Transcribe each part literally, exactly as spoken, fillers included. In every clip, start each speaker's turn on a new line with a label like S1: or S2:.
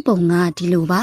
S1: ပုံကဒီလိုပါ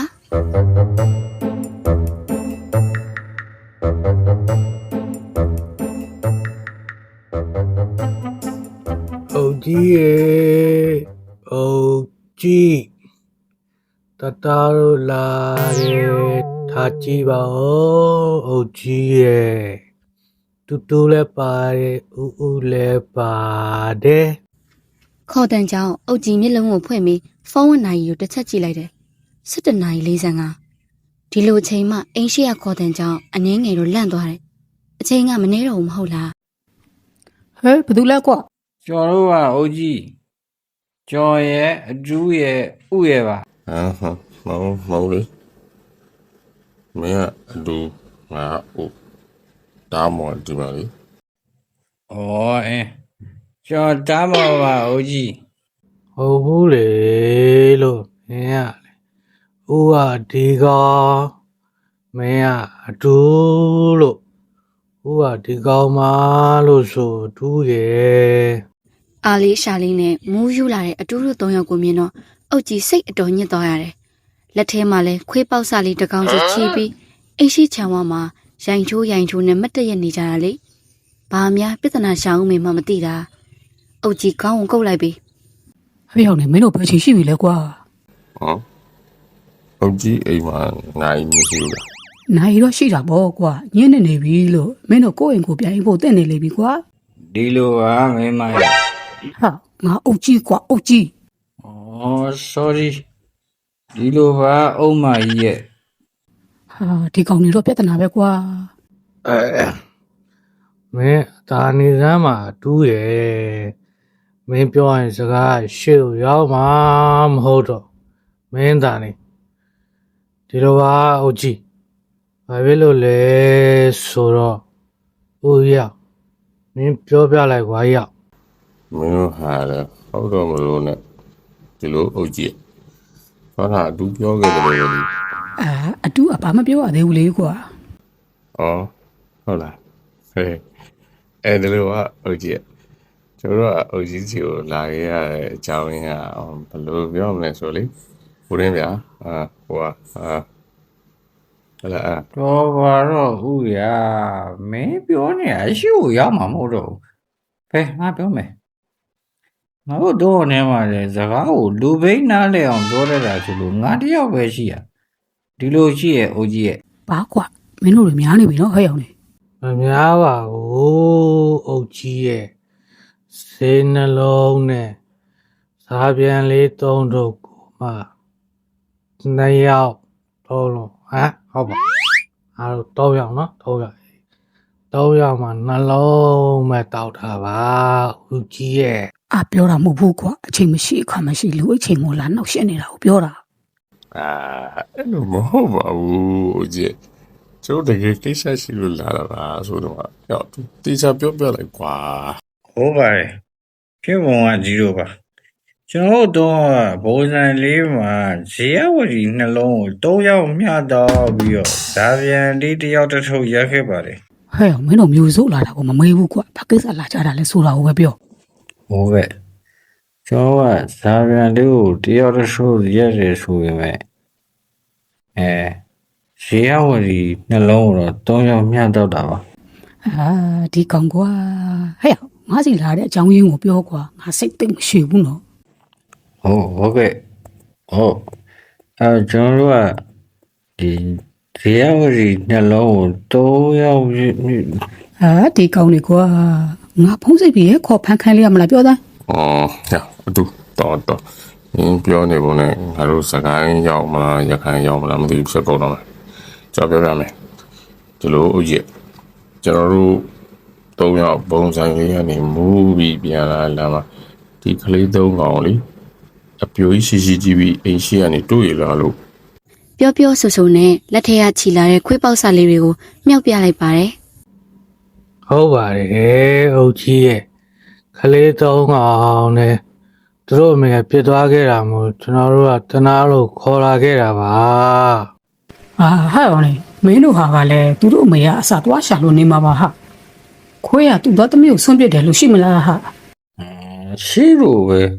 S2: အုတ်ကြီးရဲ့အုတ်ကြီးတတားလို့လာတယ်ထားကြည့်ပါဦးအုတ်ကြီးရဲ့တူတူလည်းပါတယ်ဥဥလည်းပါတယ်
S1: ခေါ်တန်ကြောင့်အုတ်ကြီးမျက်လုံးကိုဖွင့်ပြီးဖုန်းဝန်နိုင်ကိုတစ်ချက်ကြည့်လိုက်တယ်၁၇နာရီ၄၅ဒီလိုအချိန်မှအိမ်ရှိရခေါ်တန်ကြောင့်အငင်းငယ်တော့လန့်သွားတယ်အချိန်ကမနေတော့ဘူးမဟုတ်လား
S3: ဟဲ့ဘယ်သူလဲကွာ
S4: ကျော်တို့ကအုတ်ကြီးကျော်ရဲ့အကျူးရဲ့ဥရဲ့ပါ
S5: ဟမ်ဟမ်မောင်မောင်လေးမင်းကအတူငါအိုတားမော်ဒီပါလေ
S4: ဩအင်းကျော်တားမော်ပါအုတ်ကြီး
S2: ဟုတ်ဘူးလေလို့မင်းကဥကဒီကောင်မင်းကအတူလို့ဥကဒီကောင်မလို့ဆိုတူးရဲ့
S1: အားလေးရှာလေးနဲ့မူးယူလာတဲ့အတူတူသုံးယောက်ကိုမြင်တော့အုတ်ကြီးစိတ်အတော်ညစ်သွားရတယ်လက်ထဲမှာလဲခွေးပေါက်စာလေးတစ်ကောင်စီချီးပြီးအိရှိချံဝါမှာရိုင်ချိုးရိုင်ချိုးနဲ့မတ်တရက်နေကြတာလေဘာများပြဿနာရှာအောင်မှမသိတာအုတ်ကြီးကောင်းအောင်ကုတ်လိုက်ပြီ
S3: ဟဲ့ရောက်နေမင်းတို့ဘယ်ချိန်ရှိပြီလဲကွာ
S5: ဟမ်အုတ်ကြီးအိမ်မှာနိုင်မရှိဘူးလား
S3: နိုင်တော့ရှိတာပေါ့ကွာညင်းနေနေပြီလို့မင်းတို့ကိုယ့်အိမ်ကိုပြန်အိမ်ဖို့တက်နေလေပြီကွာ
S4: ဒီလိုပါမင်းမ
S3: ဟာငါအုတ်ကြီးကွာအုတ်ကြီး
S4: ဩ sorry ဒီလိုပါအုံးမကြီးရဲ့
S3: ဟာဒီကောင်နေတော့ပြဿနာပဲကွာ
S2: အဲမင်းဒါနေစမ်းမှာတူးရဲ့မင်းပြောရင်စကားရှေ့ကိုရောက်မှာမဟုတ်တော့မင်းဒါနေဒီလိုပါအုတ်ကြီးဘာဖြစ်လို့လဲဆိုတော့ဦးရမင်းပြောပြလိုက်ကွာရ
S5: မင်းတို့ဟာလေဟုတ်တော့မလို့နဲ့ဒီလိုအုတ်ကြီးဘာသာအတူပြောခဲ့တယ်လို့လေ
S3: အာအတူအဘာမပြောရသေးဘူးလေကွာ
S5: ဩဟုတ်လားဟဲ့အဲ့ဒါလို့ကအုတ်ကြီးကျွန်တော်ကအုတ်ကြီးစီကိုလာခဲ့ရတဲ့အကြောင်းရင်းကဘယ်လိုပြောမလဲဆိုလေဘုရင်ဗျာအာဟိုဟာအာဟလာ
S4: တော့ဘာတော့ဥရမင်းပြောနေအရှိကိုရောက်မှာမဟုတ်တော့ဘယ်ငါပြောမယ်ငါတို့တော့နေမှာလေစကားကိုလူဘိန်းနားလဲအောင်ပြောရတာဆိုလို့ငါတယောက်ပဲရှိရဒီလိုရှိရဲ့အုတ်ကြီးရဲ့
S3: ဘာကွာမင်းတို့တွေများနေပြီနော်ဟဲ့ရောက်နေ
S2: မများပါဘူးအုတ်ကြီးရဲ့စေနှလုံးနဲ့စားပြန်လေးသုံးတော့ကိုမှနှစ်ယောက်သုံးလုံးဟမ်ဟုတ်ပါအားတော့သုံးယောက်နော်သုံးယောက်သုံးယောက်မှနှလုံးမဲ့တောက်တာပါအုတ်ကြီးရဲ့
S3: အပြောတာမဟုတ်ဘူးကွာအချိန်မရှိအခါမရှိလူအချိန်မို့လာနောက်ရှင်းနေတာကိုပြောတာ
S5: အာအဲ့လိုမဟုတ်ပါဘူးအကြီးကျိုးတကယ်ကိစ္စရှိလို့လာတာပါဆိုတော့ရောက်တေချာပြောပြလိုက်ကွာ
S4: ဟုတ်ပါတယ်ဖြစ်ပုံကကြီးတော့ပါကျွန်တော်တို့ဘိုးဆိုင်လေးမှာဇေယဝတီနှလုံးကိုသုံးယောက်မျှတော့ပြီးတော့ဇာပြန်လေးတယောက်တစ်ထုပ်ရက်ခဲ့ပါတယ်
S3: ဟဲ့မင်းတို့မျိုးစိုးလာတာကိုမမေးဘူးကွာဘာကိစ္စလာကြတာလဲဆိုတာကိုပဲပြော
S4: ဟုတ်ကဲ့ကျွန်တော်ကဇာပြန်လေးကိုတယောက်တစ်ထုပ်ရက်တယ်ဆိုပေမဲ့အဲရေရဝတီနှလုံးတော့သုံးယောက်မျှတော့တာပါ
S3: အာဒီကောင်ကွာဟဲ့ငါစီလာတဲ့အကြောင်းရင်းကိုပြောကွာငါစိတ်သိမ့်မရှိဘူးနော်
S4: ဟုတ်ဟုတ်ကဲ့ဟုတ်အဲကျွန်တော်တို့ကဒီရေရဝတီနှလုံးကိုသုံးယောက်
S3: အာဒီကောင်နေကွာငါဖုံးစိတ်ပြီးခေါ်ဖန်ခိုင်းလိုက်ရမလားပြောသား
S5: အော်ဟဲ့အတူတော်တော်နင်းပြောနေပုံနဲ့ငါတို့စကိုင်းရောက်မလားရခိုင်ရောက်မလားမသိဘူးဖြစ်ကုန်တော့မယ်ကြောက်ပြောပြမယ်ဒီလိုဥကြီးကျွန်တော်တို့သုံးယောက်ပုံစံလေးကနေမူးပြီးပြန်လာလာမှာဒီကလေးသုံးကောင်လေးအပြိုကြီးရှိရှိကြည့်ပြီးအိမ်ရှိကနေတွေ့ရလာလို့
S1: ပြောပြောဆိုဆိုနဲ့လက်ထဲကခြီလာတဲ့ခွေးပေါက်စာလေးတွေကိုမြောက်ပြလိုက်ပါတယ်
S2: ဟုတ်ပါတယ်အုတ်ကြီးရဲ့ကလေးသုံးကောင်နဲ့သူတို့အမေကပြစ်သွားခဲ့တာမို့ကျွန်တော်တို့ကတနာလို့ခေါ်လာခဲ့တာပါ
S3: အာဟဲ့အောင်လေမင်းတို့ဟာကလည်းသူတို့အမေကအစာသွားရှာလို့နေမှာပါဟာခွေးကသူ့သားသမီးကိုဆွန့်ပစ်တယ်လို့ရှိမလားဟာ
S4: ရှိလို့ပဲ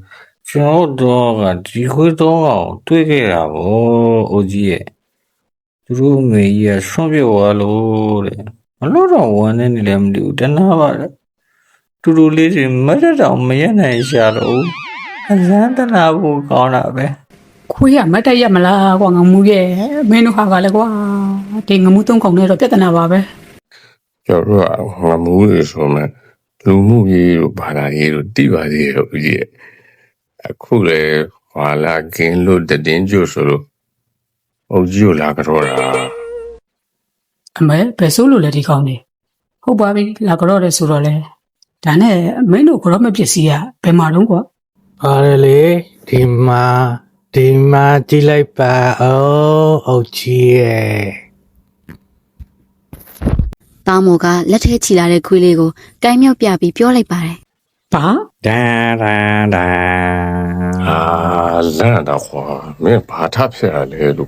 S4: ကျွန်တော်တော့ကဒီခွေးတော့အောင်တွေးခဲ့တာဗောအိုကြီးရဲ့သူတို့အမေကြီးကဆွန့်ပြစ်သွားလို့တဲ့မလို့တော့ဝမ်းနေနေလည်းမသိဘူးတနာပါလေတူတူလေးတွေမရတော့မရနိုင်ရှာတော့အစမ်းတနာဖို့ကောင်းတာပဲ
S3: ခွေးကမတ်တက်ရမလားကွာငမူရဲ့မင်းတို့ဟာကလည်းကွာဒီငမူသုံးကောင်နဲ့တော့ပြဿနာပါပဲ
S5: ကျွန်တော်တို့ကငမူးတွေဆိုမှလူမှုရေးတို့ဘာသာရေးတို့တိပါသေးရဲ့ဦးကြီးရဲ့အခုလေဟာလာကင်းလို့တည်င်းကျဆိုလို့အုတ်ကြီးကိုလာကြောတာ
S3: အမေဘယ်ဆိုးလို့လဲဒီကောင်နေဟုတ်ပါပြီလာကြောတယ်ဆိုတော့လေဒါနဲ့မင်းတို့ကြောမပစ္စည်းကဘယ်မှာတော့ကွာ
S2: ပါတယ်လေဒီမှာဒီမှာကြည့်လိုက်ပါအောင်အုတ်ကြီးရဲ့
S1: တားမော်ကလက်ထဲချီလာတဲ့ခွေးလေးကိုကိုင်းမြောက်ပြပြီးပြောလိုက်ပါတယ်
S3: ဘာ
S4: ဒန်ဒန်ဒန်
S5: အာလန့်တော့ခွာမင်းဘာထဖြစ်ရလဲလို့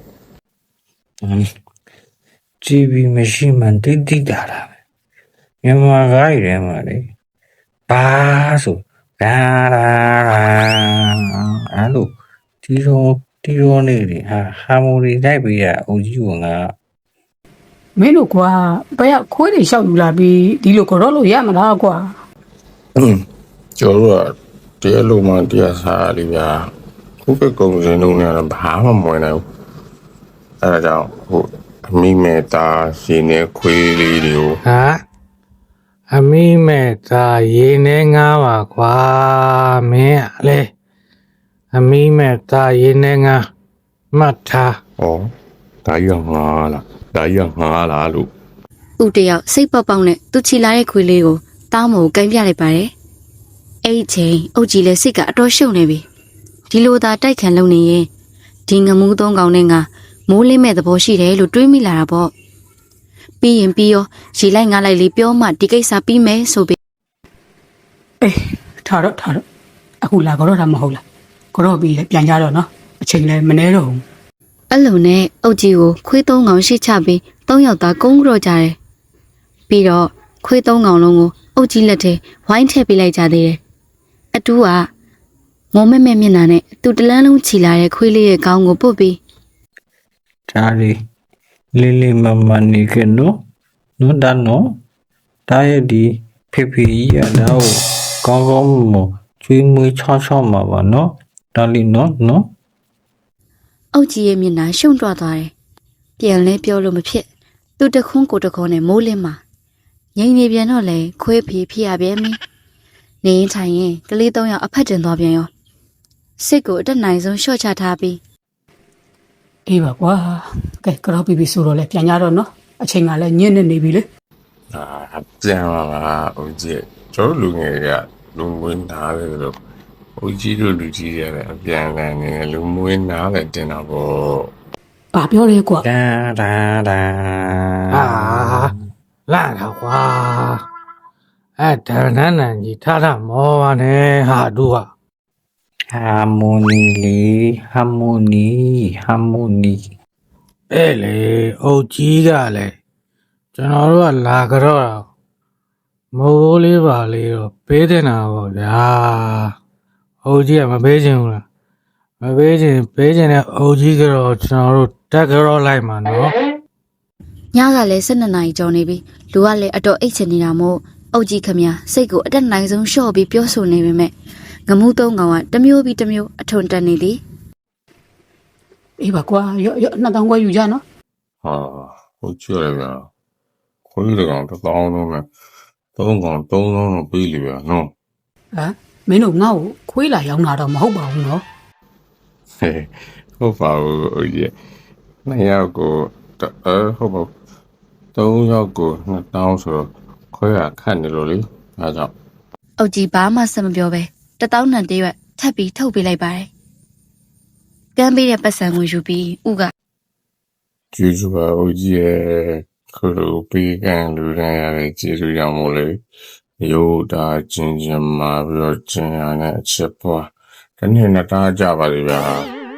S4: ဂျီဘီမရှိမှတိတ်တိတ်လာတာပဲမြန်မာကားရည်ထဲမှာလေဘာဆိုဒန်ဒန်ဒန်အဲ့လိုဒီတော့ဒီတော့နေလေဟာဟာမိုနီတိုက်ပြီးရအုပ်ကြီးကငါ
S3: မင်းတို့ကွာဘယ်ကခွေးတွေလျှောက်ယူလာပြီးဒီလိုကြောလို့ရမလားကွာ
S5: ကျွန်တော်တို့ကတရားလုံးမှတရားစားလေးဗျာခုပဲကုံစင်းလုံးနဲ့တော့ဘာမှမဝင်နိုင်ဘူးအဲဒါကြောင့်ဟိုအမိမေတာရှင်နေခွေးလေးတွေကို
S2: ဟာအမိမဲ့သားရေနေငါပါကွာမင်းကလေအမိမဲ့သားရေနေငါမှတ်ထား
S5: ဩဒါရငါလားဒါရငါလားလို့
S1: ဦးတယောက်စိတ်ပေါက်ပေါက်နဲ့သူချီလာတဲ့ခွေးလေးကိုတားမော်ကိုကိုင်းပြလိုက်ပါတယ်အဲ့ဒီချိန်အုတ်ကြီးလည်းစိတ်ကအတော်ရှုပ်နေပြီဒီလိုသာတိုက်ခံလုံနေရင်ဒီငမူးသုံးကောင်နဲ့ငါမိုးလင်းမဲ့သဘောရှိတယ်လို့တွေးမိလာတာပေါ့ပြီးရင်ပြီးရောရေလိုက်ငါလိုက်လေးပြောမှဒီကိစ္စပြီးမယ်ဆိုပြီး
S3: အေးထားတော့ထားတော့အခုလာကြောတာမဟုတ်လားကြောပြီးလေပြန်ကြတော့နော်အချိန်လည်းမနှဲတော့ဘူး
S1: အဲ့လိုနဲ့အုတ်ကြီးကိုခွေးသုံးကောင်ရှိချပြီးသုံးယောက်သားကုန်းကြော့ကြတယ်ပြီးတော့ခွေးသုံးကောင်လုံးကိုအုတ်ကြီးလက်ထဲဝိုင်းထည့်ပေးလိုက်ကြသေးတယ်အတူကငုံမဲ့မဲ့မျက်နှာနဲ့သူတလန်းလုံးချီလာတဲ့ခွေးလေးရဲ့ခေါင်းကိုပုတ်ပြီး
S4: ဒါလေးလေးလေးမမနေကနော်နော်ဒါနော်ဒါရဲ့ဒီဖေဖေကြီးရတော့ကောင်းကောင်းမကျွေးမွေးချောချောမှာပါနော်ဒါလေးနော်နော်
S1: အုတ်ကြီးရဲ့မျက်နှာရှုံ့တွသွားတယ်ပြန်လဲပြောလို့မဖြစ်သူတခွန်းကိုတခွန်းနဲ့မိုးလင်းမှာငိမ့်နေပြန်တော့လေခွေးဖီဖြစ်ရပြန်ပြီနေရင်ထိုင်ရင်ကလေးသုံးယောက်အဖက်တင်သွားပြန်ရောစစ်ကိုအတက်နိုင်ဆုံးရှော့ချထားပြီး
S3: အေးပါကွာကဲကြောပြီးပြီဆိုတော့လေပြန်ကြတော့နော်အချိန်ကလည်းညစ်နေနေပြီလေ
S5: အာပြန်လာလားဦးကြီးကျွန်တော်လူငယ်ကလူမွေးနားတယ်လို့ဦးကြီးတို့လူကြီးတွေလည်းအပြန်အလှန်နေလူမွေးနားလည်းတင်တာပေါ့
S3: ဘာပြောလဲကွာ
S4: ဒန်ဒန်ဒန်
S2: အာလာတော့ကွာအဲ့ဒါနန်းနန်းကြီးထားတာမောပါနဲ့ဟာတို့က
S4: ဟာမိုနီလေဟာမိုနီဟာမိုနီ
S2: အဲ့လေအုတ်ကြီးကလည်းကျွန်တော်တို့ကလာကြတော့မိုးလေးပါလေးတော့ပေးတင်တာပေါ့ဗျာအုတ်ကြီးကမပေးချင်ဘူးလားမပေးချင်ပေးချင်တဲ့အုတ်ကြီးကတော့ကျွန်တော်တို့တက်ကြတော့လိုက်မှာနော်
S1: ညကလည်း၁၂နာရီကျော်နေပြီလူကလည်းအတော်အိတ်ချင်နေတာမို့အုတ်ကြီးခမစိတ်ကိုအတက်နိုင်ဆုံးရှော့ပြီးပြောဆိုနေပေမဲ့ငမူးသုံးကောင်ကတမျိုးပြီးတမျိုးအထုံတက်နေသည်
S3: အေးပါကွာရော့ရော့နှစ်တောင်ကွာယူကြနော်
S5: ဟာဟုတ်ကြရဗျာခွေးကောင်တစ်သောင်းလုံးနဲ့သုံးကောင်သုံးလုံးတော့ပြီးလေဗျာနော်
S3: ဟမ်မင်းတို့ငါ့ကိုခွေးလာရောက်လာတော့မဟုတ်ပါဘူးနော်
S5: ဟဲ့ဟုတ်ပါဘူးဦးကြီးနှစ်ယောက်ကိုအဲဟုတ်ပါသုံးယောက်ကိုနှစ်တောင်းဆိုတော့ခွဲရခတ်နေလို့လေအဲကြောင့်
S1: အုတ်ကြီးဘာမှဆက်မပြောပဲတတောင်းနံတရွက်ထပ်ပြီးထုတ်ပေးလိုက်ပါတယ်ကမ်းပေးတဲ့ပတ်စံကိုယူပြီးဥက
S5: ကျေးဇူးပါဦးကြီးရဲ့ခလူပေးကန်လူရန်ရတဲ့ကျေးဇူးရမို့လေရိုးတာချင်းချင်းမှာပြီးတော့ချင်းရတဲ့အချက်ပွားတနေ့နဲ့တားကြပါလေဗျာ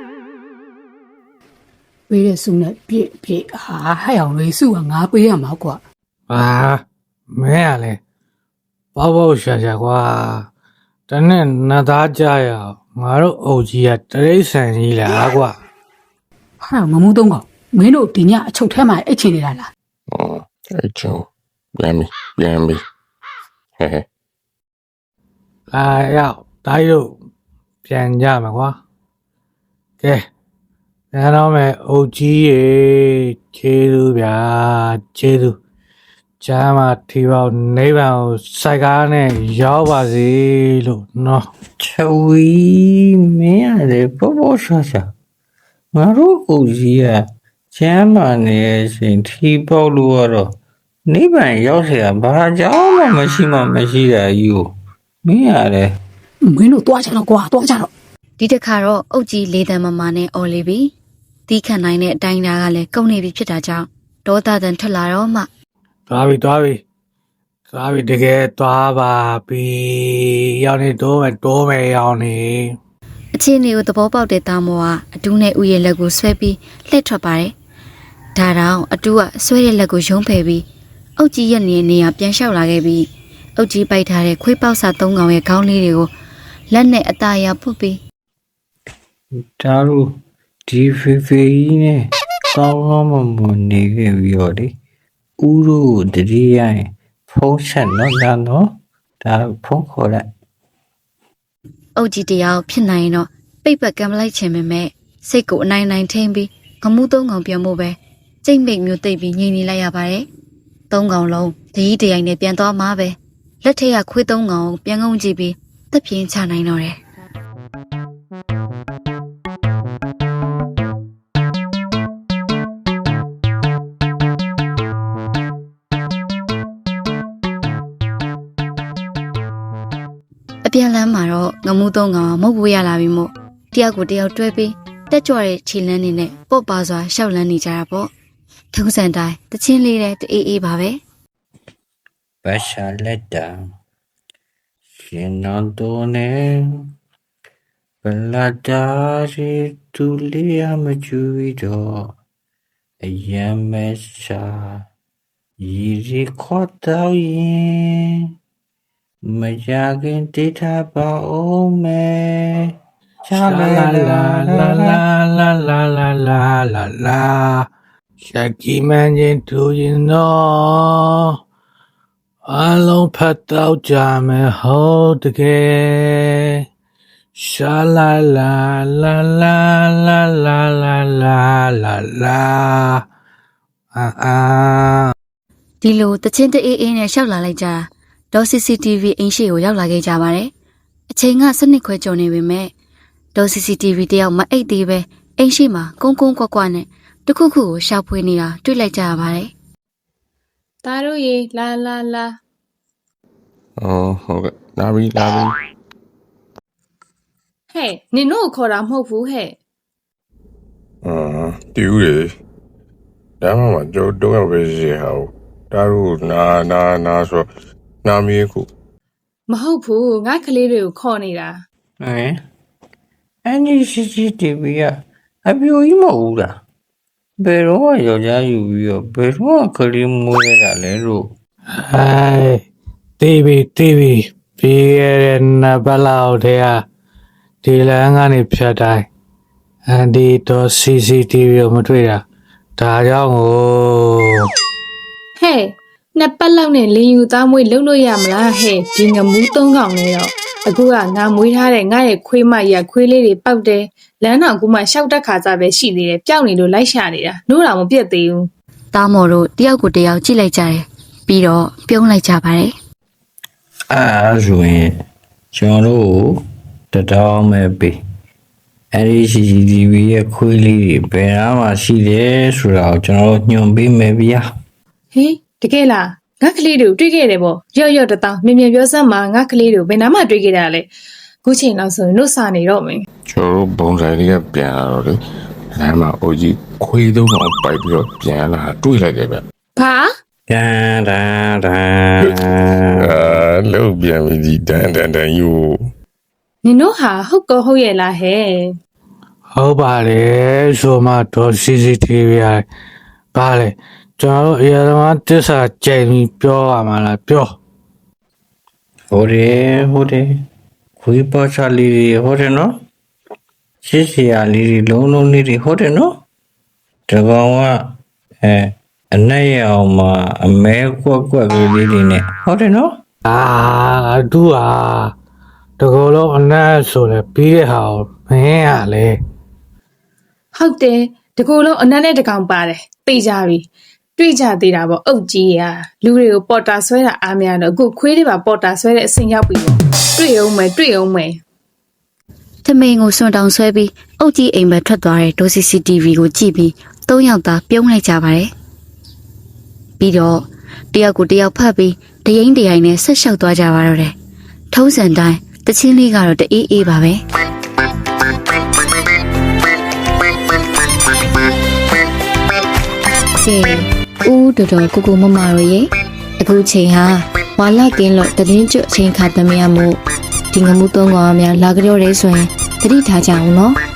S3: ပေးတဲ့စုနဲ့ပြည့်ပြည့်ဟာဟဲ့အောင်လေးစုကငါပေးရမှာကွာ
S2: ဟာမင်းကလည်းပေါ့ပေါ့ရှာရှာကွာတနေ့နှစ်သားကြရအောင်ငါတို့အုပ်ကြီးကတရိတ်ဆန်ကြီးလားကွာ
S3: ဟာငမူးသုံးကောင်မင်းတို့ဒီညအချုပ်ထဲမှာအိတ်ချင်နေတာလား
S5: ဟောအဲ့ချောပြန်ပြီပြန်ပြီဟဲ့ဟဲ့
S2: လာရောက်တိုင်းတို့ပြန်ကြမှာကွာကဲပြန်တော့မယ်အုပ်ကြီးရေခြေသူဗျာခြေသူကျမ်းမှာထီပေါနိဗ္ဗာန်ကိုစိုက်ကားနဲ့ရောက်ပါစေလို့နော်
S4: ချဝီမင်းရတယ်ပေါ်ပေါ်ရှာရှာငါတို့ကိုကြီးကကျမ်းမာနေတဲ့အချိန်ထီပေါက်လို့ကတော့နိဗ္ဗာန်ရောက်เสียဘာကြောင့်မှမရှိမှမရှိတာကြီးကိုမင်းရတယ်
S3: မင်းတို့တွားကြတော့ကွာတွားကြတော့
S1: ဒီတစ်ခါတော့အုတ်ကြီးလေးတန်မမနဲ့အော်လီပြီတီးခတ်နိုင်တဲ့အတိုင်းသားကလည်းကုန်နေပြီဖြစ်တာကြောင့်ဒေါသတန်ထွက်လာတော့မှ
S2: သွားပြီသွားပြီသွားပြီတကယ်သွားပါပြီရောက်နေတော့မယ်တော့မယ်ရောက်နေ
S1: အချင်းလေးကိုသဘောပေါက်တဲ့သားမောကအတူနဲ့ဥရဲ့လက်ကိုဆွဲပြီးလှည့်ထွက်ပါတယ်ဒါတောင်အတူကဆွဲတဲ့လက်ကိုယုံဖယ်ပြီးအုတ်ကြီးရဲ့နေနေရပြန်လျှောက်လာခဲ့ပြီးအုတ်ကြီးပိုက်ထားတဲ့ခွေးပေါက်စာသုံးကောင်ရဲ့ခေါင်းလေးတွေကိုလက်နဲ့အသားရပုတ်ပြီး
S4: ဒါတို့ဒီဖေဖေကြီးနဲ့ကောင်းကောင်းမွန်မွန်နေခဲ့ပြီးတော့လေဦးတို့ကိုတတိယရင်ဖုံးဆက်တော့လာတော့ဒါဖုံးခေါ်လိုက်
S1: အုတ်ကြီးတယောက်ဖြစ်နိုင်ရင်တော့ပိတ်ပတ်ကံမလိုက်ချင်ပေမဲ့စိတ်ကိုအနိုင်နိုင်ထိန်ပြီးငမှုသုံးကောင်ပြန်ဖို့ပဲကြိတ်မိတ်မျိုးသိပ်ပြီးငြိမ်နေလိုက်ရပါတယ်သုံးကောင်လုံးတကြီးတရိုင်နဲ့ပြန်သွားမှာပဲလက်ထက်ကခွေးသုံးကောင်ကိုပြန်ကုန်းကြည့်ပြီးတက်ပြင်းချနိုင်တော့တယ်အပြန်လမ်းမှာတော့ငမှုသုံးကောင်မဟုတ်ဘူးရလာပြီမို့တယောက်ကိုတယောက်တွဲပြီးတက်ကြွတဲ့ခြေလမ်းနေနဲ့ပေါ့ပါစွာရှောက်လန်းနေကြတာပေါ့ထုံးစံတိုင်းတချင်းလေးတဲ့တအေးအေးပါပဲ
S4: ဘာရှာလက်တာရှင်နန်တိုနေဘလာတာရီတူလီယာမကျူရီတော့အယံမဲရှာရီရီခေါ်တော့ရင်မကြခင်တိထားပါဦးမယ်
S2: လာလာလာလာလာလာလာလာလာလာလာရှက်ကြီးမန်းချင်းသူရင်တော့အလုံးဖတ်တော့ကြမယ်ဟုတ်တကယ်ရှာလာလာလာလာလာလာလာလာလာလာအာအာ
S1: ဒီလိုတချင်းတအေးအေးနဲ့ရှောက်လာလိုက်ကြတာဒေါ် စီ စီ တီ ဗီ အင်းရှိကိုရောက်လာခဲ့ကြပါတယ်အချိန်ကစနစ်ခွဲကျော်နေပေမဲ့ဒေါ် စီ စီ တီ ဗီ တယောက်မအိတ်သေးပဲအင်းရှိမှာကုန်းကုန်းကွက်ကွက်နဲ့တခုခုကိုရှောက်ဖွေးနေတာတွေ့လိုက်ကြရပါတယ်
S6: ဒါတို့ရေလာလာလာ
S5: အော်ဟုတ်ကဲ့လာပြီလာပြီ
S6: ဟဲ့နင်တို့ကိုခေါ်တာမဟုတ်ဘူးဟဲ့
S5: အာတူလေဒါမှမကြောတော့ရပဲစီဟာဒါတို့နာနာနာဆိုနာမည်ခု
S6: မဟုတ်ဘူးငါကလေးတွေကိုခေါ်နေတာ
S4: ဟမ်အန်ဒီစီစီတီဗီကအပြိုကြီးမဟုတ်ဘူးလားဘယ်တော့မှယောက်ျားယူပြီးတော့ဘယ်တော့မှကလေးမွေးရတာလဲလို့
S2: ဟိုင်တီဗီတီဗီပြီးရတဲ့နဘလောက်တည်းဟာဒီလမ်းကနေဖြတ်တိုင်းအန်ဒီတော့ စီ စီ တီ ဗီ ကိုမတွေ့တာဒါကြောင့်ကို
S6: ဟဲ့နှစ်ပတ်လောက်နဲ့လင်းယူသားမွေးလုံလို့ရမလားဟဲ့ဒီငမူးသုံးကောင်နဲ့တော့အခုကငါမွေးထားတဲ့ငါရဲ့ခွေးမရခွေးလေးတွေပောက်တယ်လမ်းတော်ကူမှရှောက်တက်ခါစားပဲရှိသေးတယ်ပျောက်နေလို့လိုက်ရှာနေတာနိုးတော်မပြတ်သေးဘူး
S1: သားမော်တို့တယောက်ကိုတယောက်ကြည့်လိုက်ကြတယ်ပြီးတော့ပြုံးလိုက်ကြပါတယ်
S4: အဲဆိုရင်ကျွန်တော်တို့တတောင်းမဲ့ပေးအဲ့ဒီ စီ စီ တီ ဗီ ရဲ့ခွေးလေးတွေဘယ်နားမှာရှိတယ်ဆိုတာကိုကျွန်တော်ညွှန်ပေးမယ်ဗျာ
S6: ဟေးတကယ်လားငါကလေးတွေကိုတွေ့ခဲ့တယ်ပေါ့ရော့ရော့တတောင်းမြင်မြင်ပြောစမ်းမှာငါကလေးတွေကိုဘယ်နားမှာတွေ့ခဲ့တာလဲခုချိန်လောက်ဆိုရင်တို့စာနေတော့မယ်
S5: ကျွန်တော်ဘုံဆိုင်လေးကပြန်လာတော့လေလမ်းမှာအိုကြီးခွေးသုံးကောင်ပိုက်ပြီးတော့ပြန်လာတွေ့လိုက်တယ်ဗျ
S6: ဘာ
S4: ဒန်ဒန်ဒန်
S5: အာလုံးပြန်ပြီဒီတန်တန်တန်ယူ
S6: နင်တို့ဟာဟုတ်ကောဟုတ်ရဲ့လားဟဲ့
S2: ဟုတ်ပါတယ်ဆိုမှတော့ စီ စီ တီ ဗီ ရပါလေကျွန်တော်တို့အရာသမားတစ္ဆာကြိမ်ပြီးပြောရမှာလားပြော
S4: ဟိုတယ်ဟိုတယ်ခွခွေးပေါချလေးတွေဟုတ်တယ်နော်ရှစ်စရာလေးတွေလုံးလုံးလေးတွေဟုတ်တယ်နော်တကောင်ကအဲအနက်ရအောင်မှာအမဲကွက်ကွက်ကလေးတွေနဲ့ဟုတ်တယ်နော်
S2: အာအတူဟာတကောလုံးအနက်ဆိုလဲပြီးတဲ့ဟာကိုမင်းကလေ
S6: ဟုတ်တယ်တကူလုံးအနက်နဲ့တကောင်ပါတယ်သိကြပြီတွေ့ကြသေးတာပေါ့အုတ်ကြီးရာလူတွေကိုပေါ်တာဆွဲတာအားများတော့အခုခွေးတွေပါပေါ်တာဆွဲတဲ့အဆင့်ရောက်ပြီပေါ့တွေ့အောင်မယ်တွေ့အောင်မယ်
S1: ။ထမိန်ကိုစွန့်တောင်ဆွဲပြီးအုတ်ကြီးအိမ်ဘက်ထွက်သွားတဲ့ဒို စီ စီ တီ ဗီ ကိုကြည့်ပြီးသုံးယောက်သားပြုံးလိုက်ကြပါတယ်။ပြီးတော့တယောက်ကိုတယောက်ဖတ်ပြီးတရင်တရိုင်နဲ့ဆက်လျှောက်သွားကြပါတော့တယ်။ထုံးစံတိုင်းတချင်းလေးကတော့တအေးအေးပါပဲ။ကဲဦးတော်တော်ကိုကိုမမတို့ရေအခုချိန်ဟာဝါလကင်းလို့တည်င်းကျွတ်အချိန်ခါသမီးရမို့ဒီငမှုသုံးကောင်အများလာကြတော့ရဲဆိုရင်တတိထားကြအောင်နော်။